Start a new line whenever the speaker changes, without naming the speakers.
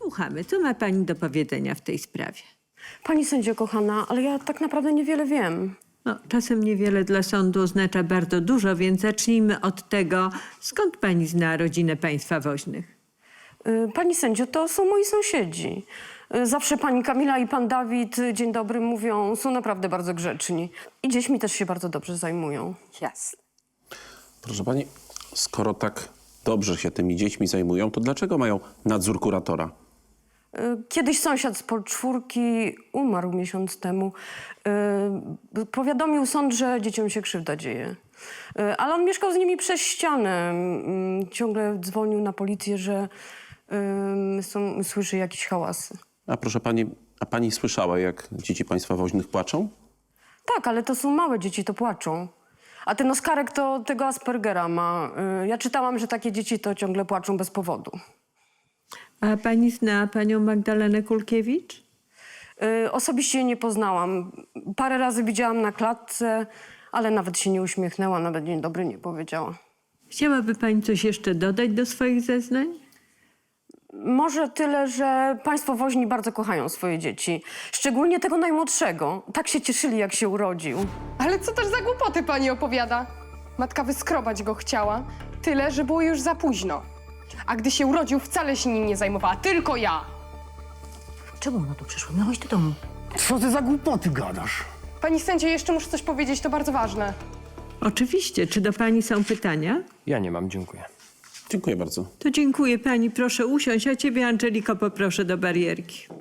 Słuchamy, co ma pani do powiedzenia w tej sprawie?
Pani sędzio kochana, ale ja tak naprawdę niewiele wiem.
No, czasem niewiele dla sądu oznacza bardzo dużo, więc zacznijmy od tego, skąd pani zna rodzinę państwa woźnych?
Pani sędzio, to są moi sąsiedzi. Zawsze pani Kamila i pan Dawid dzień dobry mówią, są naprawdę bardzo grzeczni. I dziećmi też się bardzo dobrze zajmują.
Jasne.
Proszę pani, skoro tak dobrze się tymi dziećmi zajmują, to dlaczego mają nadzór kuratora?
Kiedyś sąsiad z Podczwórki umarł miesiąc temu. Powiadomił sąd, że dzieciom się krzywda dzieje. Ale on mieszkał z nimi przez ścianę. Ciągle dzwonił na policję, że słyszy jakieś hałasy.
A proszę pani, a pani słyszała, jak dzieci państwa woźnych płaczą?
Tak, ale to są małe dzieci, to płaczą. A ten Oskarek to tego Aspergera ma. Ja czytałam, że takie dzieci to ciągle płaczą bez powodu.
A pani zna panią Magdalenę Kulkiewicz?
Osobiście jej nie poznałam. Parę razy widziałam na klatce, ale nawet się nie uśmiechnęła, nawet dzień dobry nie powiedziała.
Chciałaby pani coś jeszcze dodać do swoich zeznań?
Może tyle, że państwo woźni bardzo kochają swoje dzieci. Szczególnie tego najmłodszego. Tak się cieszyli, jak się urodził.
Ale co też za głupoty pani opowiada? Matka wyskrobać go chciała, tyle, że było już za późno. A gdy się urodził, wcale się nim nie zajmowała, tylko ja.
Czemu ona tu przyszła? Miałeś do domu.
Co ty za głupoty gadasz?
Pani sędzio, jeszcze muszę coś powiedzieć, to bardzo ważne.
Oczywiście. Czy do pani są pytania?
Ja nie mam, dziękuję.
Dziękuję bardzo.
To dziękuję pani. Proszę usiąść, a ciebie, Angeliko, poproszę do barierki.